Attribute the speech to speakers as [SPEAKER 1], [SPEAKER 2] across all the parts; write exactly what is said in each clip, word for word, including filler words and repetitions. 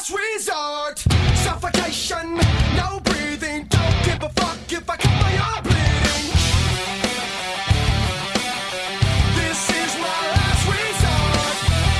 [SPEAKER 1] last resort. Suffocation, no breathing. Don't give a fuck if I cut my arm bleeding. This is my last resort.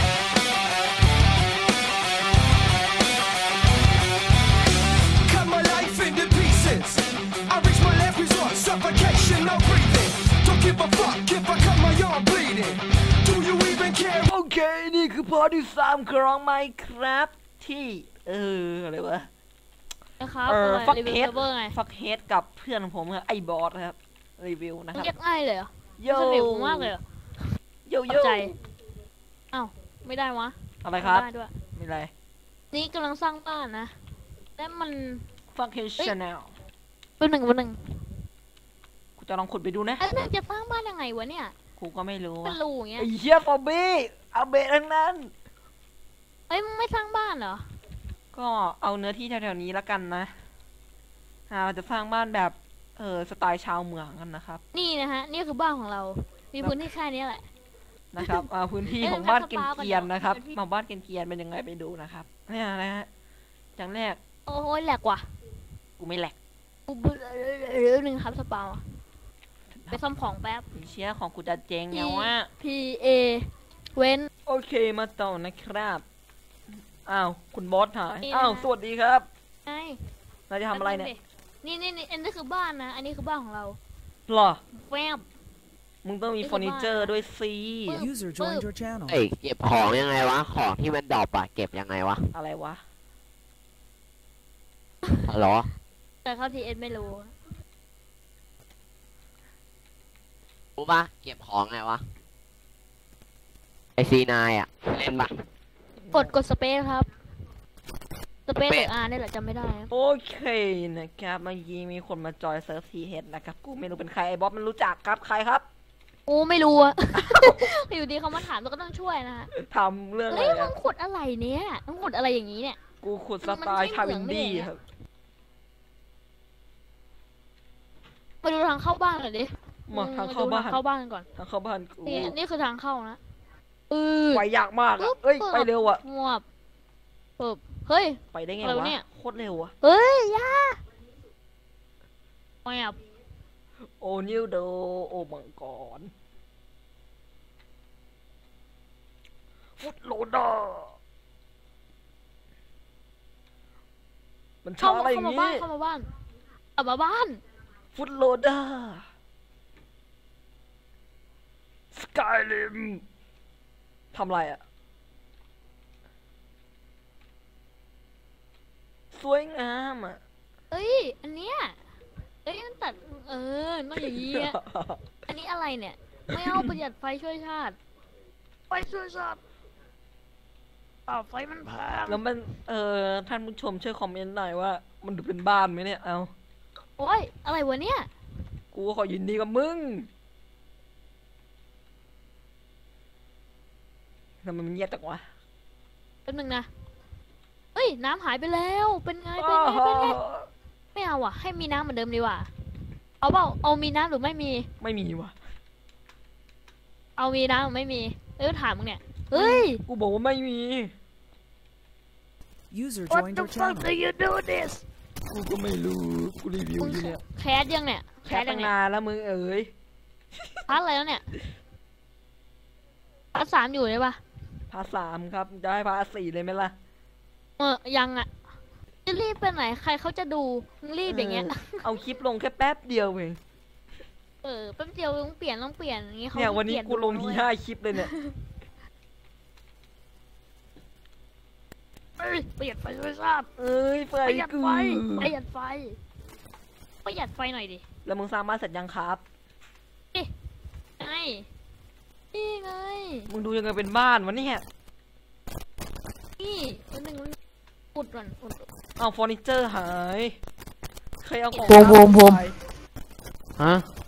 [SPEAKER 1] Cut my life into pieces. I reach my last resort. Suffocation, no breathing. Don't give a fuck if I cut my arm bleeding. Do you even care?
[SPEAKER 2] โอเคนี่คือพอที่สามของไมค์ครับที่เอออะไรวะ
[SPEAKER 3] นะครับ
[SPEAKER 2] เออ
[SPEAKER 3] อะไร
[SPEAKER 2] ฟัก
[SPEAKER 3] รีวิว
[SPEAKER 2] เฮด
[SPEAKER 3] เซิร์ฟเวอร์ไง
[SPEAKER 2] ฟักเฮดกับเพื่อนผมครับไอ้บอสครับรีวิวนะครับ
[SPEAKER 3] เรียกง่ายเลยเหรอ
[SPEAKER 2] โย
[SPEAKER 3] สนิทมากเลยเหรอ
[SPEAKER 2] โย
[SPEAKER 3] ข
[SPEAKER 2] โย
[SPEAKER 3] อบใจอ้าวไม่ได้วะ
[SPEAKER 2] อะไรครับ
[SPEAKER 3] ไม่ได้ด้วย
[SPEAKER 2] ไม่ไร
[SPEAKER 3] นี่กำลังสร้างบ้านนะแล้วมัน
[SPEAKER 2] ฟักเฮดชาแนล
[SPEAKER 3] เป็นหนึ่งเป็นหนึ่ง
[SPEAKER 2] กูจะลองขุดไปดูนะ
[SPEAKER 3] ไอ้เนี่ยจะสร้างบ้านยังไงวะเนี่ย
[SPEAKER 2] กูก็ไม่รู้
[SPEAKER 3] เป็
[SPEAKER 2] ว่ะ
[SPEAKER 3] นรูอย่างเงี้ย
[SPEAKER 2] ไอ้เหี้ยฟอบี้เอาเบะทั้งนั้น
[SPEAKER 3] เอ้ยมึงไม่สร้างบ้านเหรอ
[SPEAKER 2] ก็เอาเนื้อที่แถวๆนี้แล้วกันนะเราจะสร้างบ้านแบบเออสไตล์ชาวเมืองกันนะครับ
[SPEAKER 3] นี่นะฮะนี่คือบ้านของเรา มีพื้นที่แค่นี้แหละ
[SPEAKER 2] นะครับ พื้นที่
[SPEAKER 3] เอ้ย
[SPEAKER 2] ของบ้าน
[SPEAKER 3] มัน
[SPEAKER 2] เก
[SPEAKER 3] จะสปา
[SPEAKER 2] รียน
[SPEAKER 3] กัน
[SPEAKER 2] ๆนะครับ
[SPEAKER 3] เดี๋ยว
[SPEAKER 2] มาบ้านเกรียนๆเป็นยังไงไปดูนะครับเนี่ยนะฮะอย่างแรก
[SPEAKER 3] โอ้ยแหลกว่ะ
[SPEAKER 2] กูไม่แหลก
[SPEAKER 3] กูเบื่อเรื่องหนึ่งครับสปาไปซ่อมของแป๊บ
[SPEAKER 2] ไอ้เชี่ยของกูจะเจ๊งเนี่ยว่า
[SPEAKER 3] P A เว้น
[SPEAKER 2] โอเคมาต่อนะครับอ้าวคุณบอสหาย
[SPEAKER 3] นี่
[SPEAKER 2] อ้าว
[SPEAKER 3] นะ
[SPEAKER 2] สวัสดีครับ
[SPEAKER 3] ไง
[SPEAKER 2] เราจะทำอะไรเนี่ย
[SPEAKER 3] นี่นี่นี่อันนี้คือบ้านนะ อันนี้คือบ้านของเรา
[SPEAKER 2] หรอ
[SPEAKER 3] แวบ
[SPEAKER 2] มึงต้องมี
[SPEAKER 3] นี่
[SPEAKER 2] เฟ
[SPEAKER 3] คือ
[SPEAKER 2] อร์นิเจอร์
[SPEAKER 3] บ้าน
[SPEAKER 2] ด้วยสิ
[SPEAKER 4] User joined your channel.
[SPEAKER 5] เอ้ยเก็บของยังไงวะของที่มันดรอปอะเก็บยังไงวะ
[SPEAKER 2] อะไรวะ
[SPEAKER 5] ฮัลโหล
[SPEAKER 3] แต่เข้าทีเอ็นไม่รู้
[SPEAKER 5] รู้ปะเก็บของไงวะไอซีนายอะเล่นปะ
[SPEAKER 3] กดกดสเปซครับ สเปซ
[SPEAKER 5] สเป
[SPEAKER 3] หรื
[SPEAKER 5] ซ
[SPEAKER 3] ออาร์นี่แหละจำไม่ได้ครับ
[SPEAKER 2] โอเคนะครับเมื่อกี้มีคนมาจอยเซิร์ฟทีเฮดนะครับกูไม่รู้เป็นใครไอ้บอสมันรู้จักครับใครครับ
[SPEAKER 3] โอ้ไม่รู้อะ อยู่ดีเขามาถามเราก็ต้องช่วยนะฮะ
[SPEAKER 2] ทำเรื่องอะ
[SPEAKER 3] เฮ้ย
[SPEAKER 2] ไร
[SPEAKER 3] มึ
[SPEAKER 2] อะ
[SPEAKER 3] งขุดอะไรเนี่ยมึงขุดอะไรอย่างนี้เนี่ย
[SPEAKER 2] กูขุดส
[SPEAKER 3] มัน
[SPEAKER 2] ไตล์
[SPEAKER 3] ใช่
[SPEAKER 2] ชา
[SPEAKER 3] เหมื
[SPEAKER 2] วิ
[SPEAKER 3] อง
[SPEAKER 2] น
[SPEAKER 3] ได้
[SPEAKER 2] ดี้
[SPEAKER 3] ไงอะ
[SPEAKER 2] ครับ
[SPEAKER 3] มาดูทางเข้าบ้านหน่อยดิ
[SPEAKER 2] มาทางเข้าบ้าน
[SPEAKER 3] มดูทเข้าบ้านกันก่อน
[SPEAKER 2] ทางเข้าบ้านกู
[SPEAKER 3] นี่นี่คือทางเข้านะเออ
[SPEAKER 2] ไปยากมาก
[SPEAKER 3] ปึ๊
[SPEAKER 2] อะ
[SPEAKER 3] บ
[SPEAKER 2] เอ้ย
[SPEAKER 3] ปึ๊บ
[SPEAKER 2] ไปเร็วอะ
[SPEAKER 3] งวบปึ๊บเฮ้ย
[SPEAKER 2] ไปได้ไง
[SPEAKER 3] อะไร
[SPEAKER 2] วะ
[SPEAKER 3] วะเนี่ย
[SPEAKER 2] โคตรเร็วอะ
[SPEAKER 3] เฮ้ยอยาแวบ
[SPEAKER 2] โอนิวโดโอมังกรฟุตโลเดอร์มันช้า
[SPEAKER 3] เข้า
[SPEAKER 2] อะไรอ
[SPEAKER 3] เข้า
[SPEAKER 2] ย่าง
[SPEAKER 3] มาบ้า
[SPEAKER 2] นี้
[SPEAKER 3] นเข้ามาบ้านเอามาบ้าน
[SPEAKER 2] ฟุตโลเดอร์สกายริมทำไรอะสวยงามอะ
[SPEAKER 3] เอ้ยอันเนี้ยเอ้ยมันตัดเออมันอย่างงี้อะอันนี้อะไรเนี่ยไม่เอาประหยัดไฟช่วยชาติไฟช่วยชาติอ้าวไฟมันแพง
[SPEAKER 2] แล้วมันเออท่านผู้ชมช่วยคอมเมนต์หน่อยว่า มันดูเป็นบ้านไหมเนี่ยเอา
[SPEAKER 3] โอ้ยอะไรวะเนี่ย
[SPEAKER 2] กูก็ขอยินดีกับมึงทำไมมันเงียบจังวะ
[SPEAKER 3] แป๊บนึงนะเอ้ยน้ำหายไปแล้วเป็นไงเป็นไงเป็นไงไม่เอาอ่ะให้มีน้ำเหมือนเดิมดีกว่าเอาเปล่าเอามีน้ำหรือไม่มี
[SPEAKER 2] ไม่มีวะ
[SPEAKER 3] เอามีน้ำหรือไม่มีเอ้ยถามมึงเนี่ยเฮ้ย
[SPEAKER 2] กูบอกว่าไม่มี
[SPEAKER 4] User
[SPEAKER 3] What
[SPEAKER 4] joined
[SPEAKER 3] the
[SPEAKER 4] your
[SPEAKER 3] fuck do
[SPEAKER 4] channel.
[SPEAKER 3] you do this
[SPEAKER 2] กูก็ไม่รู้กูรีวิว
[SPEAKER 3] มึง
[SPEAKER 2] อยู่เนี่ย
[SPEAKER 3] แคสยังเนี่ย
[SPEAKER 2] แค่ตั้งนานแล้วมึงเอ๋ย
[SPEAKER 3] พักอะไรแล้วเนี่ยพักสามอยู่ใช่ปะ
[SPEAKER 2] พาสามครับจะให้พาสี่เลยไหมล่ะ
[SPEAKER 3] เออยังอ่ะจะรีบไปไหนใครเขาจะดูมึงรีบอย่างเงี้ย
[SPEAKER 2] เอาคลิปลงแค่แป๊บเดียวเอง
[SPEAKER 3] เออแป๊บเดียวต้องเปลี่ยนต้องเปลี่ยนอย่างงี้เขา
[SPEAKER 2] เนี่ยวันนี้
[SPEAKER 3] เปลี่ย
[SPEAKER 2] กูลงที
[SPEAKER 3] ดู
[SPEAKER 2] ห้าคลิปเลยเนี่ย
[SPEAKER 3] เอ้ยประหยัดไฟช่วยชาติ
[SPEAKER 2] เอ้ยไฟ
[SPEAKER 3] ประหยัด
[SPEAKER 2] กู
[SPEAKER 3] ไฟประหยัดไฟประหยัดไฟหน่อยดิ
[SPEAKER 2] แล้วมึงสร้างบ้านเสร็จยังครับ
[SPEAKER 3] ไงนี่ไง
[SPEAKER 2] มึงดูยังไงเป็นบ้านวะเนี่ย
[SPEAKER 3] นี่วันหนึ่งมันอุดก่อนอุด
[SPEAKER 2] เอาเฟอร์นิเจอร์หายใครเอาของ
[SPEAKER 3] ผมผมผม
[SPEAKER 2] ไป
[SPEAKER 5] ฮะ